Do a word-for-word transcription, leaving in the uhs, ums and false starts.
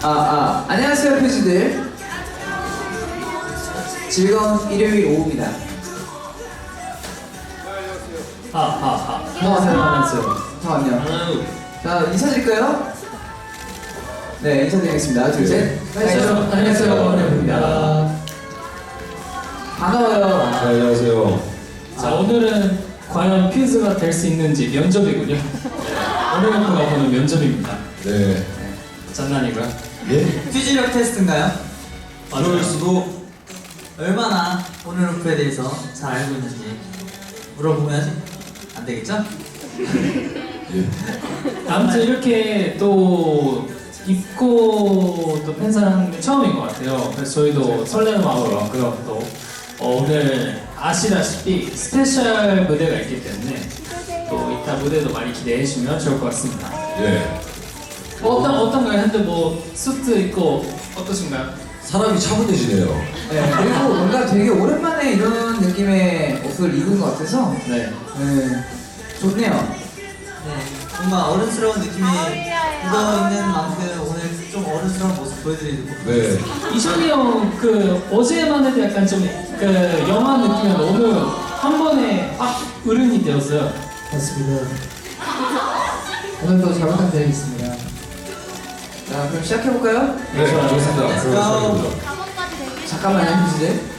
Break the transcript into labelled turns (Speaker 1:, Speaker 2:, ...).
Speaker 1: 아, 아, 안녕하세요, 퓨즈들. 즐거운 일요일 오후입니다.
Speaker 2: 하하하.
Speaker 1: 안녕하세요.
Speaker 2: 안녕하세요.
Speaker 1: 잠깐만요. 자, 인사드릴까요? 네, 인사드리겠습니다. 둘, 셋.
Speaker 2: 안녕하세요. 안녕하세요. 원혜입니다.
Speaker 1: 반가워요.
Speaker 3: 네, 안녕하세요.
Speaker 2: 자, 오늘은 과연 퀴즈가 될 수 있는지 면접이군요. 원혜가 보는 면접입니다.
Speaker 3: 네.
Speaker 2: 장난이고요.
Speaker 3: 예?
Speaker 4: 퓨즈력 테스트인가요?
Speaker 3: 그럴 수도.
Speaker 4: 얼마나 오늘 오프에 대해서 잘 알고 있는지 물어보면 안 되겠죠?
Speaker 3: 예.
Speaker 2: 아무튼 이렇게 또 입고 또 팬사랑하는 게 처음인 것 같아요. 그래서 저희도 설레는 마음으로 왔고요. 또 어, 오늘 아시다시피 스페셜 무대가 있기 때문에 또 이따 무대도 많이 기대해 주시면 좋을 것 같습니다.
Speaker 3: 예.
Speaker 2: 어떤 어떤가요? 근데 뭐 수트 입고 어떠신가요?
Speaker 3: 사람이 차분해지네요.
Speaker 1: 네, 그리고 뭔가 되게 오랜만에 이런 느낌의 옷을 입은 것 같아서
Speaker 2: 네.
Speaker 1: 네, 좋네요.
Speaker 4: 네, 뭔가 어른스러운 느낌이 묻어있는 만큼 오늘 좀 어른스러운 모습 보여드리고
Speaker 3: 네.
Speaker 2: 이천이 형 그 어제만 해도 약간 좀 그 영화 느낌이었는데 오늘 한 번에 확 어른이 되었어요.
Speaker 1: 맞습니다. 오늘도 잘 부탁드리겠습니다. 자, 그럼 시작해볼까요?
Speaker 3: 네, 좋습니다.
Speaker 4: Let's go.
Speaker 3: 그럼
Speaker 1: 잠깐만요, 퓨즈들.